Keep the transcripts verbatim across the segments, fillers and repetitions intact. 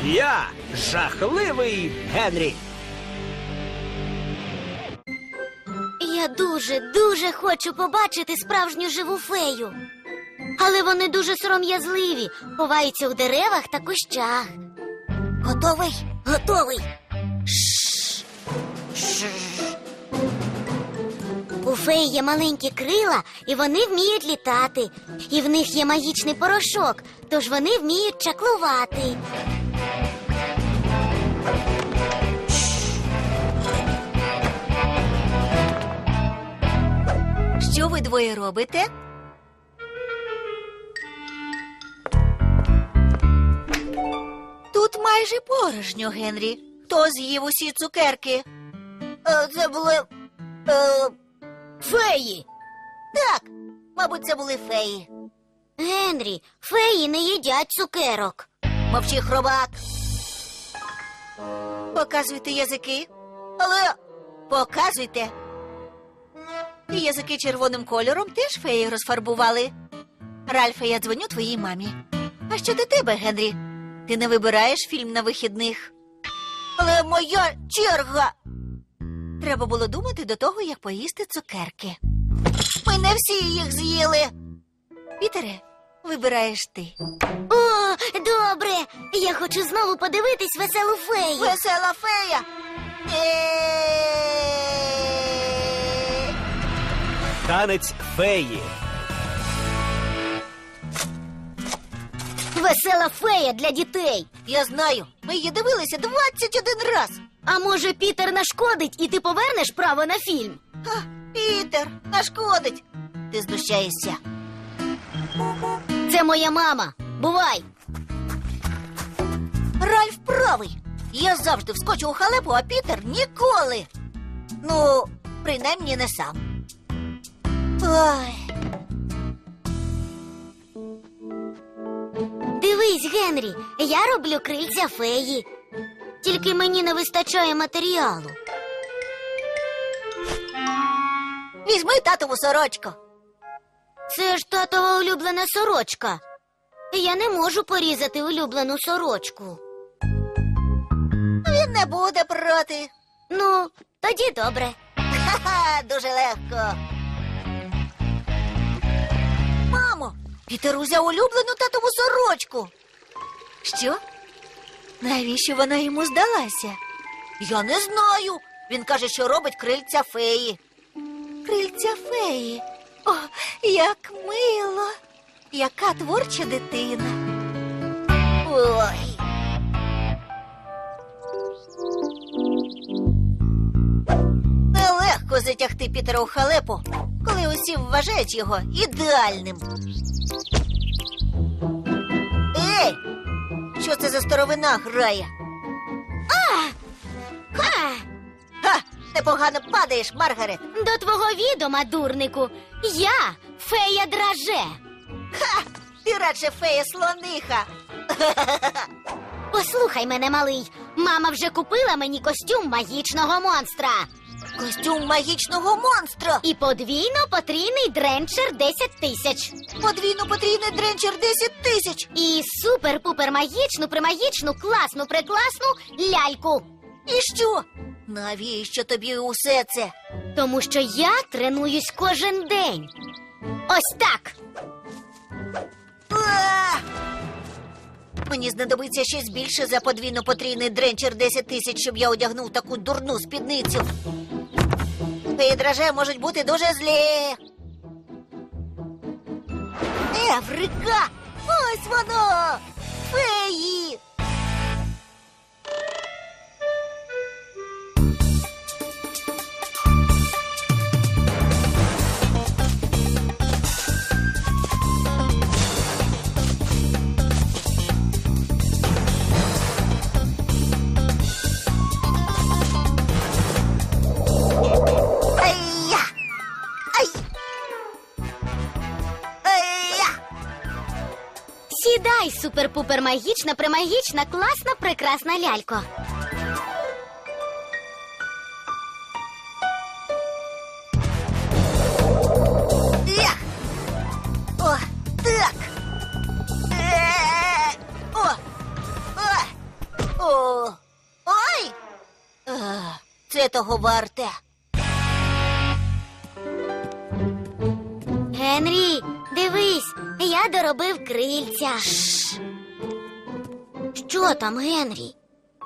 Я жахливий Генрі. Я дуже-дуже хочу побачити справжню живу фею. Але вони дуже сором'язливі, ховаються у деревах та кущах. Готовий? Готовий. Шш. Шш. У феї є маленькі крила, і вони вміють літати. І в них є магічний порошок, тож вони вміють чаклувати. Що ви двоє робите? Тут майже порожньо, Генрі. Хто з'їв усі цукерки? Е, це були... Е, феї. Так, мабуть, це були феї. Генрі, феї не їдять цукерок. Мовчи, хробак. Показуйте язики. Але показуйте. І язики червоним кольором теж феї розфарбували. Ральфе, я дзвоню твоїй мамі. А що до тебе, Генрі? Ти не вибираєш фільм на вихідних? Але моя черга! Треба було думати до того, як поїсти цукерки. Ми не всі їх з'їли. Пітере, вибираєш ти. О, добре. Я хочу знову подивитись веселу фею. Весела фея! Танець феї. Весела фея для дітей. Я знаю, ми її дивилися двадцять один раз. А може, Пітер нашкодить, і ти повернеш право на фільм? Ха, Пітер, нашкодить. Ти знущаєшся. Це моя мама. Бувай. Ральф правий. Я завжди вскочу у халепу, а Пітер ніколи. Ну, принаймні не сам. Ой. Дивись, Генрі, я роблю крильця феї. Тільки мені не вистачає матеріалу. Візьми татову сорочку. Це ж татова улюблена сорочка. Я не можу порізати улюблену сорочку. Він не буде проти. Ну, тоді добре. Ха-ха, дуже легко. Мамо, Пітер узяв улюблену татову сорочку. Що? Навіщо вона йому здалася? Я не знаю. Він каже, що робить крильця феї. Крильця феї? О, як мило. Яка творча дитина. Ой. Нелегко затягти Пітера у халепу, коли усі вважають його ідеальним. Ей! Що це за старовина грає? Ха! Ха! Непогано падаєш, Маргарет. До твого відома, дурнику, я фея драже. Ха! Ти радше фея-слониха. Послухай мене, малий. Мама вже купила мені костюм магічного монстра. Костюм магічного монстра. І подвійно-потрійний дренчер десять тисяч. Подвійно-потрійний дренчер десять тисяч. І супер-пупер-магічну, примагічну, класну-прекласну ляльку. І що? Навіщо тобі усе це? Тому що я тренуюсь кожен день. Ось так. А! Мені знадобиться щось більше за подвійно-потрійний дренчер десять тисяч, щоб я одягнув таку дурну спідницю. Феї драже можуть бути дуже злі. Еврика! Ось воно! Феї! Ай-я! Ай! Ай-я! Сідай, супер-пупер-магічна, примагічна, класна, прекрасна лялько. Ях! О, так! Е-е-е! О! О! О, ой! А, це того варте. Генрі, дивись, я доробив крильця. Що там, Генрі?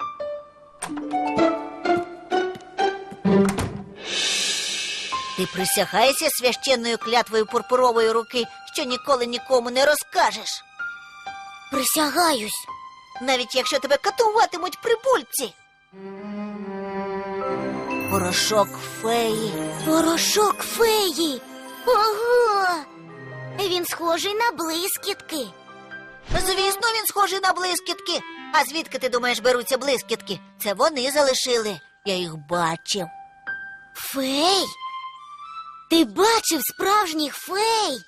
Ти присягаєшся священною клятвою пурпурової руки, що ніколи нікому не розкажеш. Присягаюсь. Навіть якщо тебе катуватимуть прибульці. Порошок феї. Порошок феї. Ого! Він схожий на блискітки. Звісно, він схожий на блискітки. А звідки, ти думаєш, беруться блискітки? Це вони залишили. Я їх бачив. Фей? Ти бачив справжніх фей?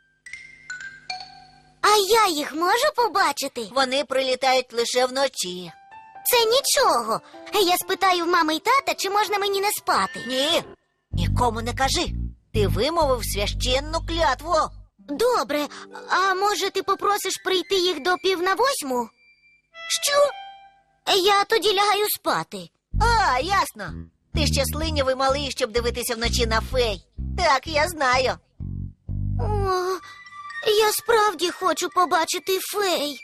А я їх можу побачити? Вони прилітають лише вночі. Це нічого. Я спитаю в мами й тата, чи можна мені не спати. Ні, нікому не кажи. Ти вимовив священну клятву. Добре, а може ти попросиш прийти їх до пів на восьму? Що? Я тоді лягаю спати. А, ясно. Ти ще слинявий малий, щоб дивитися вночі на фей. Так, я знаю. О, я справді хочу побачити фей.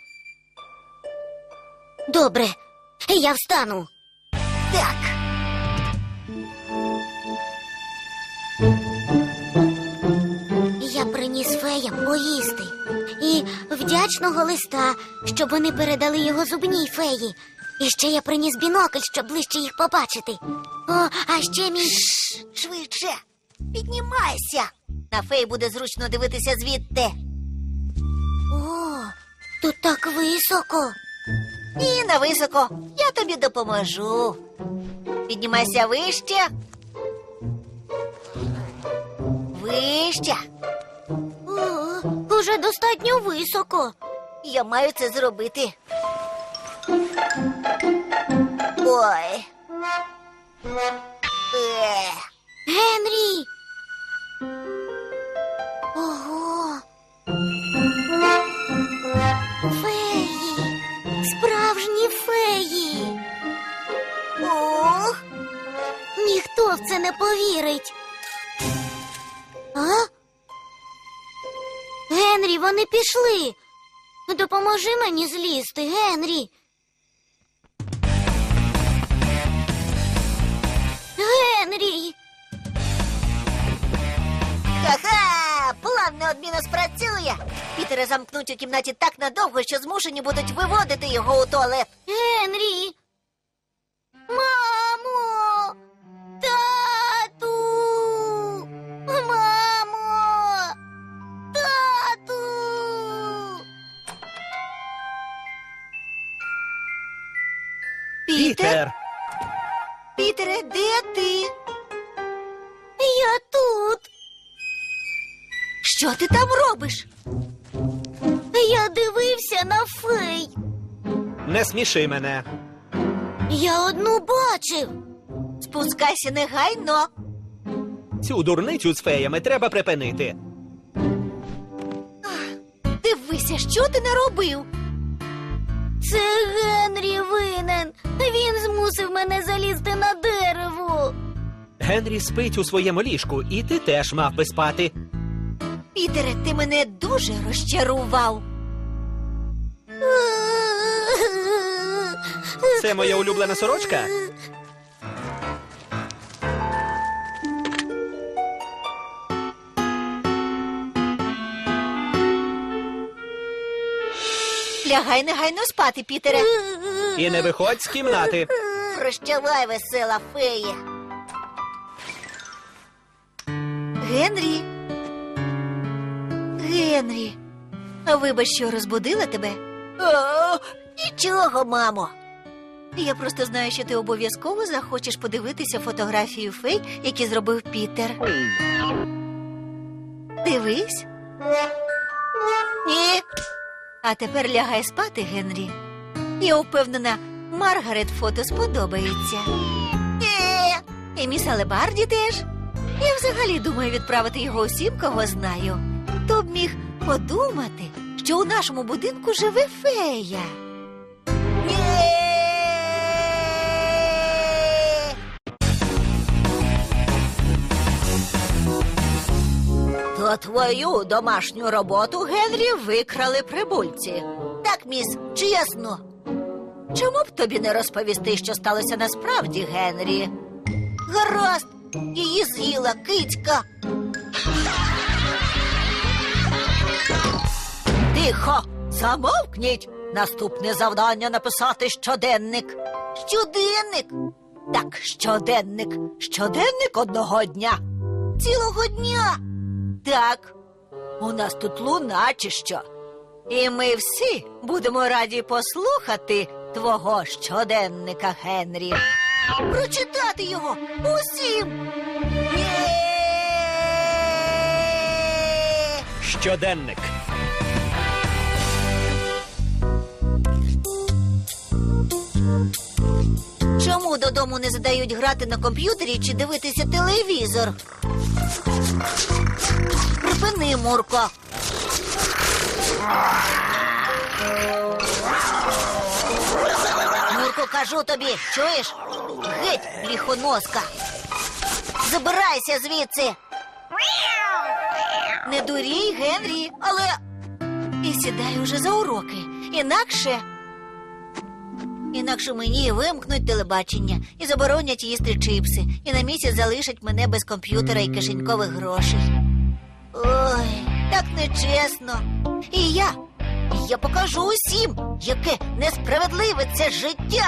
Добре, я встану. Так. Я приніс феям поїсти. І вдячного листа, щоб вони передали його зубній феї. І ще я приніс бінокль, щоб ближче їх побачити. О, а ще мій... Шш, швидше. Піднімайся. На фей буде зручно дивитися звідти. О, тут так високо. І на високо. Я тобі допоможу. Піднімайся вище. Вище. О, уже достатньо високо. Я маю це зробити. Ой. Е. Генрі! Ого! Феї! Справжні феї! Ох. Ніхто в це не повірить. А? Генрі, вони пішли. Допоможи мені злізти, Генрі. Генрі! Ха-ха! План неодмінно спрацює. Пітера замкнуть у кімнаті так надовго, що змушені будуть виводити його у туалет. Генрі! Мамо! Тату! Мамо! Тату! Пітер! Пітере, де ти? Я тут! Що ти там робиш? Я дивився на фей. Не сміши мене. Я одну бачив. Спускайся негайно. Цю дурницю з феями треба припинити. Дивися, що ти наробив. Це Генрі винен. Він змусив мене залізти на дерево. Генрі спить у своєму ліжку, і ти теж мав би спати. Пітере, ти мене дуже розчарував. Це моя улюблена сорочка? Лягай негайно спати, Пітере. І не виходь з кімнати. Прощавай, весела фея. Генрі. Генрі. А вибач, що розбудила тебе? О, нічого, мамо. Я просто знаю, що ти обов'язково захочеш подивитися фотографію фей, які зробив Пітер. Дивись. Ні. А тепер лягай спати, Генрі. Я впевнена, Маргарет фото сподобається. Е, і міс Алебарді теж. Я взагалі думаю відправити його усім, кого знаю. Хто б міг подумати, що у нашому будинку живе фея? Ні! То твою домашню роботу, Генрі, викрали прибульці. Так, міс, чесно. Чому б тобі не розповісти, що сталося насправді, Генрі? Гаразд, її з'їла кицька. Тихо, замовкніть. Наступне завдання написати щоденник. Щоденник? Так, щоденник. Щоденник одного дня. Цілого дня. Так, у нас тут луна чи що. І ми всі будемо раді послухати твого щоденника, Генрі. Прочитати його усім. Є! Щоденник. Чому додому не задають грати на комп'ютері чи дивитися телевізор? Припини, Мурко. Мурко, кажу тобі, чуєш? Геть, ліхоноска. Забирайся звідси. Не дурій, Генрі, але... І сідай уже за уроки. Інакше... Інакше мені вимкнуть телебачення і заборонять їсти чипси, і на місяць залишать мене без комп'ютера і кишенькових грошей. Ой, так нечесно. І я, я покажу усім, яке несправедливе це життя.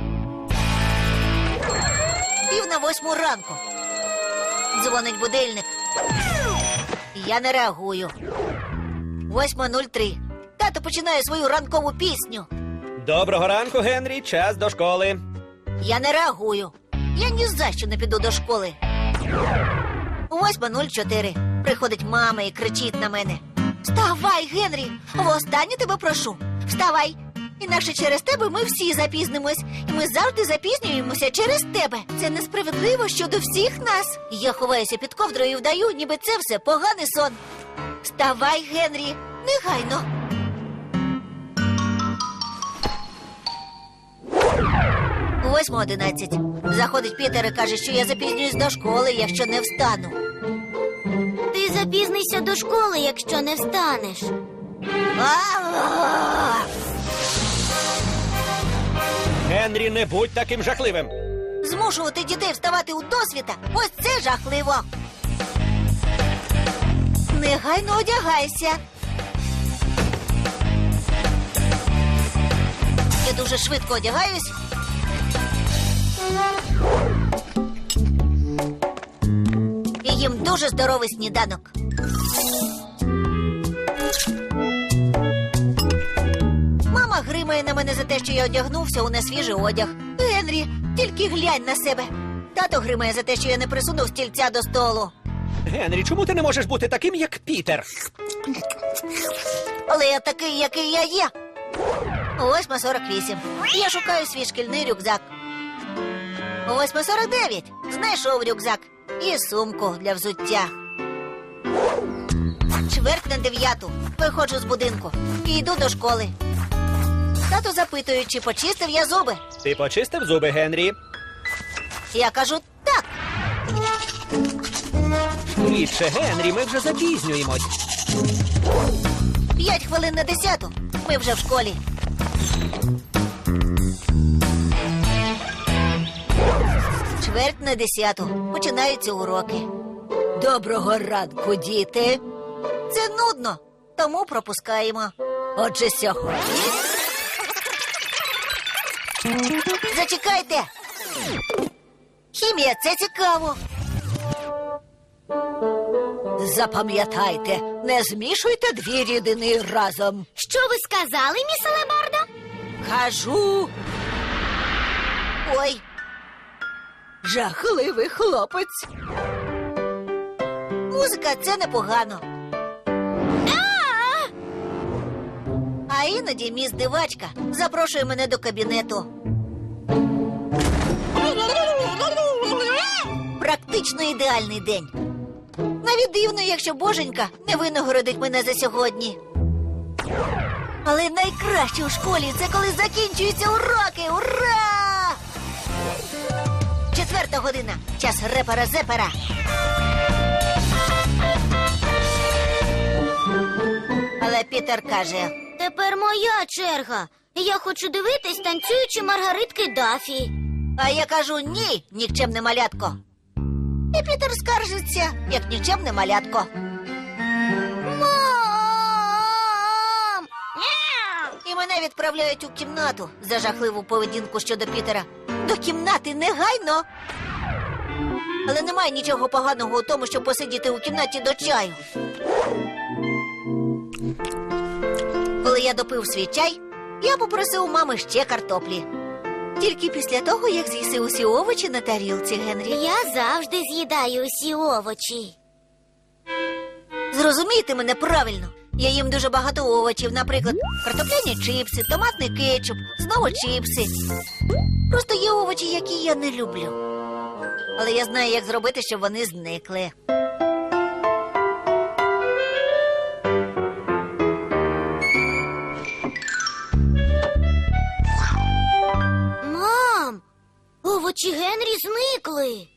Пів на восьму ранку. Дзвонить будильник. Я не реагую. Восьма нуль три. Тато починає свою ранкову пісню. Доброго ранку, Генрі. Час до школи. Я не реагую. Я ні за що не піду до школи. Восьма нуль чотири. Приходить мама і кричить на мене. Вставай, Генрі! Востаннє тебе прошу. Вставай! Інакше через тебе ми всі запізнимось. І ми завжди запізнюємося через тебе. Це несправедливо щодо всіх нас. Я ховаюся під ковдрою і вдаю, ніби це все поганий сон. Вставай, Генрі! Негайно! Восьма одинадцять. Заходить Пітер і каже, що я запізнююсь до школи, якщо не встану. Ти запізнишся до школи, якщо не встанеш. А-а-а! Генрі, не будь таким жахливим. Змушувати дітей вставати у досвіта – ось це жахливо. Негайно одягайся. Я дуже швидко одягаюсь. І їм дуже здоровий сніданок. Мама гримає на мене за те, що я одягнувся у несвіжий одяг. Генрі, тільки глянь на себе. Тато гримає за те, що я не присунув стільця до столу. Генрі, чому ти не можеш бути таким, як Пітер? Але я такий, який я є. Восьма сорок вісім. Я шукаю свій шкільний рюкзак. Восьма сорок дев'ять. Знайшов рюкзак. І сумку для взуття. Чверть на дев'яту. Виходжу з будинку. І йду до школи. Тато запитує, чи почистив я зуби. Ти почистив зуби, Генрі? Я кажу так. Швидше, Генрі, ми вже запізнюємось. П'ять хвилин на десяту. Ми вже в школі. Чверть на десяту. Починаються уроки. Доброго ранку, діти. Це нудно, тому пропускаємо. Отже, сьогодні... Зачекайте! Хімія, це цікаво. Запам'ятайте, не змішуйте дві рідини разом. Що ви сказали, міс Алебардо? Кажу. Ой. Жахливий хлопець. Музика – це непогано. А іноді міс Дивачка запрошує мене до кабінету. Практично ідеальний день. Навіть дивно, якщо Боженька не винагородить мене за сьогодні. Але найкраще у школі – це коли закінчуються уроки. Ура! Четверта година. Час репера-зепера. Але Пітер каже: Тепер моя черга. Я хочу дивитись танцюючі маргаритки Дафі. а я кажу ні, нікчемне малятко. І Пітер скаржиться, як нікчемне малятко. Мам! І мене відправляють у кімнату за жахливу поведінку щодо Пітера. До кімнати негайно. Але немає нічого поганого у тому, щоб посидіти у кімнаті до чаю. Коли я допив свій чай, я попросив у мами ще картоплі. Тільки після того, як з'їси усі овочі на тарілці, Генрі. Я завжди з'їдаю усі овочі. Зрозумійте мене правильно. Я їм дуже багато овочів, наприклад, картопляні чипси, томатний кетчуп, знову чипси. Просто є овочі, які я не люблю. Але я знаю, як зробити, щоб вони зникли. Мам, овочі Генрі зникли.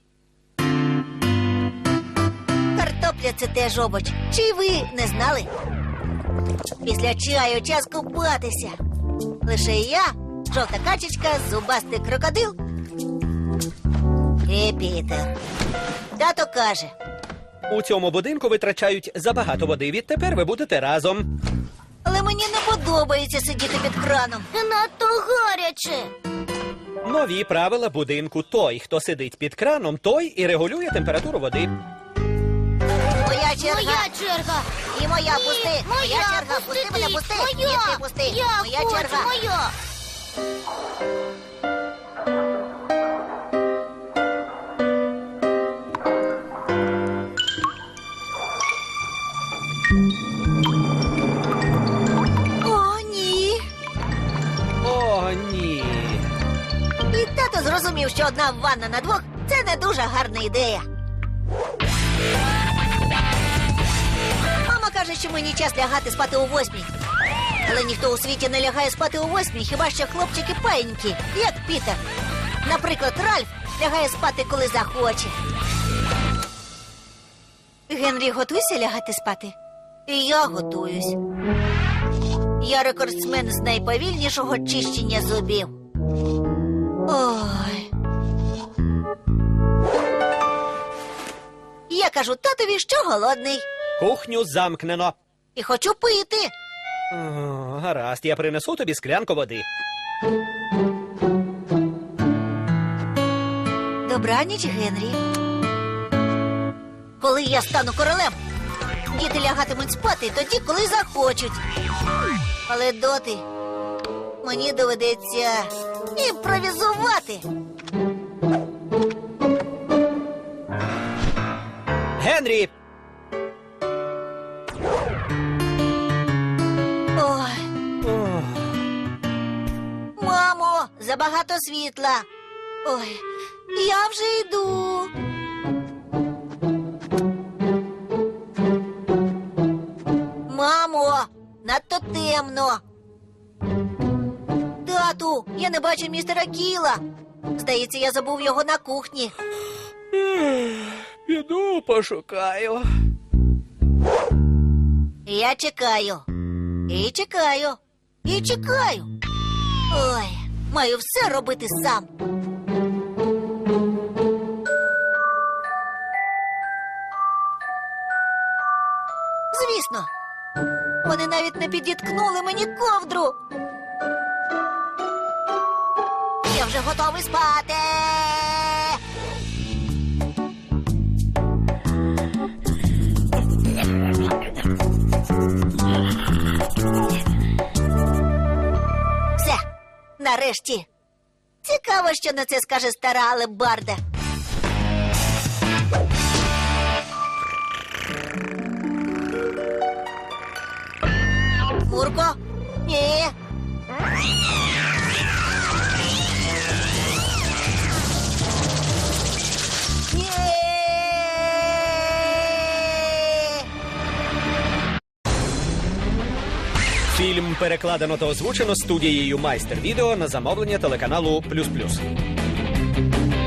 Картопля – це теж овоч. Чи ви не знали? Після чаю час купатися. Лише я, жовта качечка, зубастий крокодил і Пітер. Тато каже: У цьому будинку витрачають забагато води. Відтепер ви будете разом. але мені не подобається сидіти під краном. Надто гаряче. Нові правила будинку. Той, хто сидить під краном, той і регулює температуру води. Моя черга. Моя черга. І моя, Ні, пусти. моя, Моя черга. Пусти пусти мене, ти. пусти. Моя. Ні, ти пусти. Я Моя хочу, черга. моя. О, ні. О, ні. І тато зрозумів, що одна ванна на двох – це не дуже гарна ідея. Мама каже, що мені час лягати спати о восьмій. Але ніхто у світі не лягає спати о восьмій, хіба що хлопчики паєнькі, як Пітер. Наприклад, Ральф лягає спати, коли захоче. Генрі, готуйся лягати спати? І я готуюсь. Я рекордсмен з найповільнішого чищення зубів. Ой. Я кажу татові, що голодний. Кухню замкнено. І хочу пити. О, гаразд, я принесу тобі склянку води. Добраніч, Генрі. Коли я стану королем, діти лягатимуть спати тоді, коли захочуть. Але доти мені доведеться імпровізувати. Генрі! Ой, О, мамо, забагато світла. Ой, я вже йду. Мамо, надто темно. Тату, я не бачу містера Кіла. Здається, я забув його на кухні. піду пошукаю. Я чекаю. І чекаю. І чекаю. Ой, маю все робити сам. Звісно. Вони навіть не підіткнули мені ковдру. Я вже готовий спати. Все, нарешті. Цікаво, що на це скаже стара алебарда. Мурко? Ні. Ні. Фільм перекладено та озвучено студією Майстер Відео на замовлення телеканалу Плюс Плюс.